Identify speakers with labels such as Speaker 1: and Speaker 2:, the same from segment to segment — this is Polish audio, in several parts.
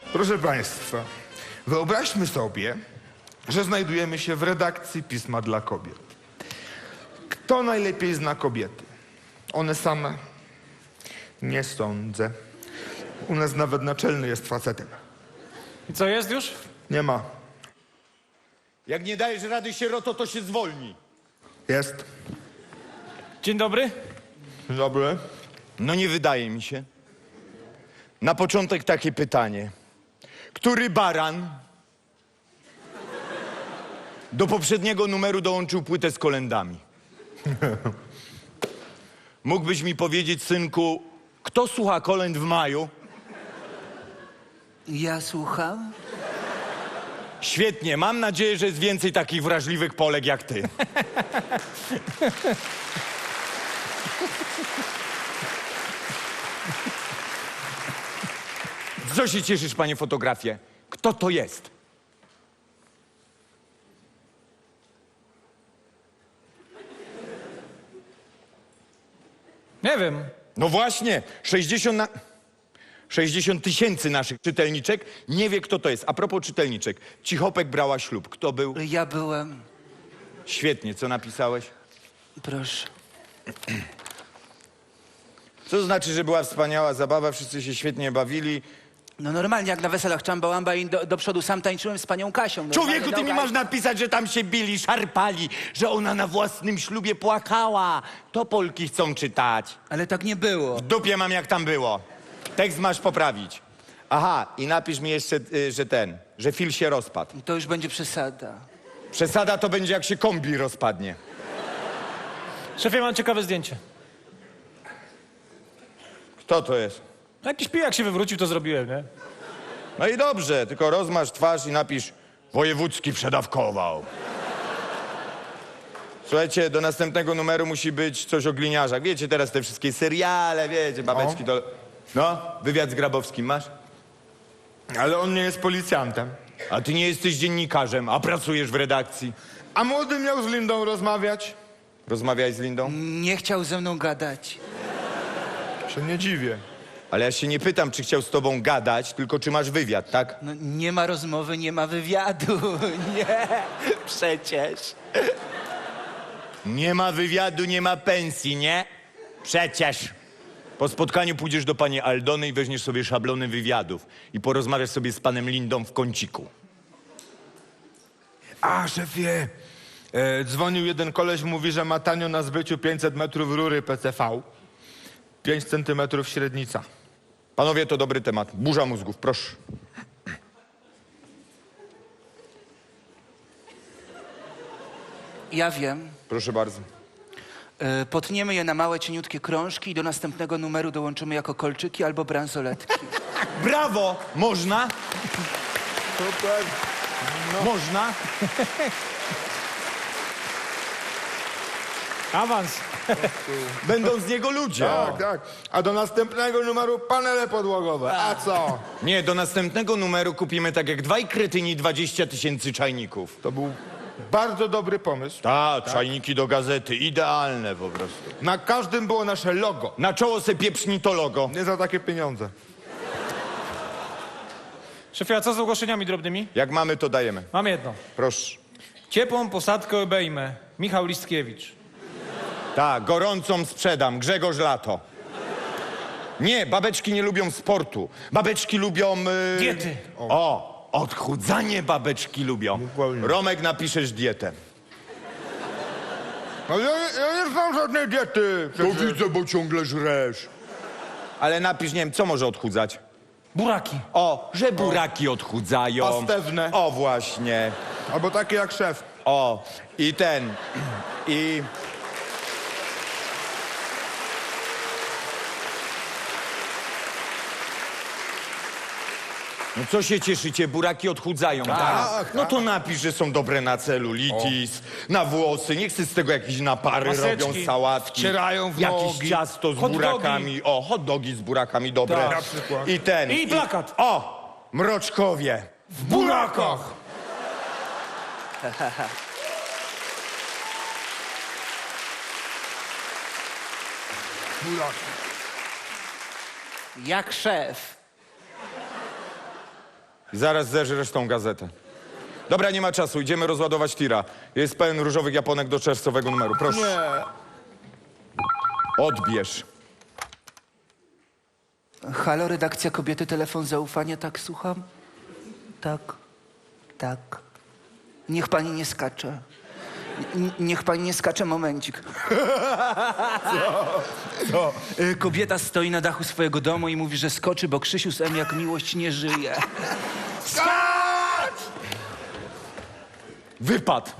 Speaker 1: Proszę Państwa, wyobraźmy sobie, że znajdujemy się w redakcji Pisma dla Kobiet. Kto najlepiej zna kobiety? One same? Nie sądzę. U nas nawet naczelny jest facetem.
Speaker 2: I co, jest już?
Speaker 1: Nie ma.
Speaker 3: Jak nie dajesz rady, sieroto, to się zwolni.
Speaker 1: Jest.
Speaker 2: Dzień dobry.
Speaker 1: Dzień dobry.
Speaker 3: No nie wydaje mi się. Na początek takie pytanie. Który baran do poprzedniego numeru dołączył płytę z kolędami? Mógłbyś mi powiedzieć, synku, kto słucha kolęd w maju?
Speaker 4: Ja słucham?
Speaker 3: Świetnie, mam nadzieję, że jest więcej takich wrażliwych Polek jak ty. Co się cieszysz, panie fotografie? Kto to jest?
Speaker 2: Nie wiem.
Speaker 3: No właśnie, 60 tysięcy naszych czytelniczek nie wie, kto to jest. A propos czytelniczek, Cichopek brała ślub. Kto był?
Speaker 4: Ja byłem.
Speaker 3: Świetnie, co napisałeś?
Speaker 4: Proszę.
Speaker 3: Co to znaczy, że była wspaniała zabawa, wszyscy się świetnie bawili.
Speaker 4: No normalnie, jak na weselach Czambałamba i do przodu sam tańczyłem z panią Kasią. Normalnie,
Speaker 3: Człowieku, ty mi masz napisać, że tam się bili, szarpali, że ona na własnym ślubie płakała. To Polki chcą czytać.
Speaker 4: Ale tak nie było.
Speaker 3: W dupie mam, jak tam było. Tekst masz poprawić. Aha, i napisz mi jeszcze, że Phil się rozpadł.
Speaker 4: To już będzie przesada.
Speaker 3: Przesada to będzie, jak się kombi rozpadnie.
Speaker 2: Szefie, mam ciekawe zdjęcie.
Speaker 3: Kto to jest?
Speaker 2: Jakiś pijak się wywrócił, to zrobiłem, nie?
Speaker 3: No i dobrze, tylko rozmaż twarz i napisz wojewódzki przedawkował. Słuchajcie, do następnego numeru musi być coś o gliniarzach. Wiecie, teraz te wszystkie seriale, wiecie, babeczki to... No, wywiad z Grabowskim masz?
Speaker 1: Ale on nie jest policjantem.
Speaker 3: A ty nie jesteś dziennikarzem, a pracujesz w redakcji.
Speaker 1: A młody miał z Lindą rozmawiać?
Speaker 3: Rozmawiaj z Lindą?
Speaker 4: Nie chciał ze mną gadać.
Speaker 1: Się nie dziwię.
Speaker 3: Ale ja się nie pytam, czy chciał z tobą gadać, tylko czy masz wywiad, tak?
Speaker 4: No, nie ma rozmowy, nie ma wywiadu. Nie, przecież.
Speaker 3: Nie ma wywiadu, nie ma pensji, nie? Przecież. Po spotkaniu pójdziesz do pani Aldony i weźmiesz sobie szablony wywiadów i porozmawiasz sobie z panem Lindą w kąciku.
Speaker 1: A, szefie, dzwonił jeden koleś, mówi, że ma tanio na zbyciu 500 metrów rury PCV. 5 centymetrów średnica.
Speaker 3: Panowie, to dobry temat. Burza mózgów, proszę.
Speaker 4: Ja wiem.
Speaker 3: Proszę bardzo.
Speaker 4: Potniemy je na małe, cieniutkie krążki i do następnego numeru dołączymy jako kolczyki albo bransoletki.
Speaker 3: Brawo! Można?
Speaker 1: Super.
Speaker 3: Można?
Speaker 2: Awans.
Speaker 3: Będą z niego ludzie.
Speaker 1: Tak, tak. A do następnego numeru panele podłogowe. A co?
Speaker 3: Nie, do następnego numeru kupimy tak jak dwaj kretyni 20 000 czajników.
Speaker 1: To był bardzo dobry pomysł.
Speaker 3: Tak, czajniki do gazety, idealne po prostu.
Speaker 1: Na każdym było nasze logo.
Speaker 3: Na czoło se pieprzni to logo.
Speaker 1: Nie za takie pieniądze.
Speaker 2: Szefie, a co z ogłoszeniami drobnymi?
Speaker 3: Jak mamy, to dajemy.
Speaker 2: Mam jedno.
Speaker 3: Proszę.
Speaker 2: Ciepłą posadkę obejmę. Michał Listkiewicz.
Speaker 3: Tak, gorącą sprzedam. Grzegorz Lato. Nie, babeczki nie lubią sportu. Babeczki lubią...
Speaker 2: Diety.
Speaker 3: O, odchudzanie babeczki lubią.
Speaker 1: Dokładnie.
Speaker 3: Romek, napiszesz dietę.
Speaker 1: No ja nie znam żadnej diety.
Speaker 3: widzę, bo ciągle żresz. Ale napisz, nie wiem, co może odchudzać?
Speaker 2: Buraki.
Speaker 3: O, że buraki odchudzają.
Speaker 1: Pastewne.
Speaker 3: O, właśnie.
Speaker 1: Albo takie jak szef.
Speaker 3: O, i ten. I... No co się cieszycie? Buraki odchudzają, tak? No to napisz, że są dobre na celulitis, na włosy. Nie chcę z tego jakieś napary,
Speaker 2: Maseczki.
Speaker 3: robią sałatki.
Speaker 1: Wcierają w
Speaker 3: Jakieś
Speaker 1: nogi.
Speaker 3: ciasto z
Speaker 2: Hot dogi.
Speaker 3: burakami. O, hot dogi z burakami, dobre.
Speaker 2: Tak.
Speaker 1: Na przykład.
Speaker 3: I ten.
Speaker 2: I plakat.
Speaker 3: O, mroczkowie.
Speaker 1: W burakach.
Speaker 4: Jak szef.
Speaker 3: I zaraz zeżresz tą gazetę. Dobra, nie ma czasu, idziemy rozładować tira. Jest pełen różowych japonek do czerwcowego numeru, proszę.
Speaker 1: Nie.
Speaker 3: Odbierz.
Speaker 4: Halo, redakcja Kobiety, telefon zaufania, tak, słucham? Tak, tak. Niech pani nie skacze. Niech pani nie skacze, momencik. Co? Kobieta stoi na dachu swojego domu i mówi, że skoczy, bo Krzysiu z M jak miłość nie żyje.
Speaker 3: Wypad.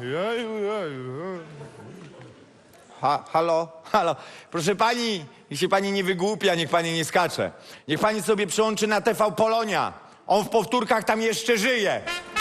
Speaker 3: Halo? Halo. Proszę pani, niech się pani nie wygłupia, niech pani nie skacze. Niech pani sobie przyłączy na TV Polonia. On w powtórkach tam jeszcze żyje.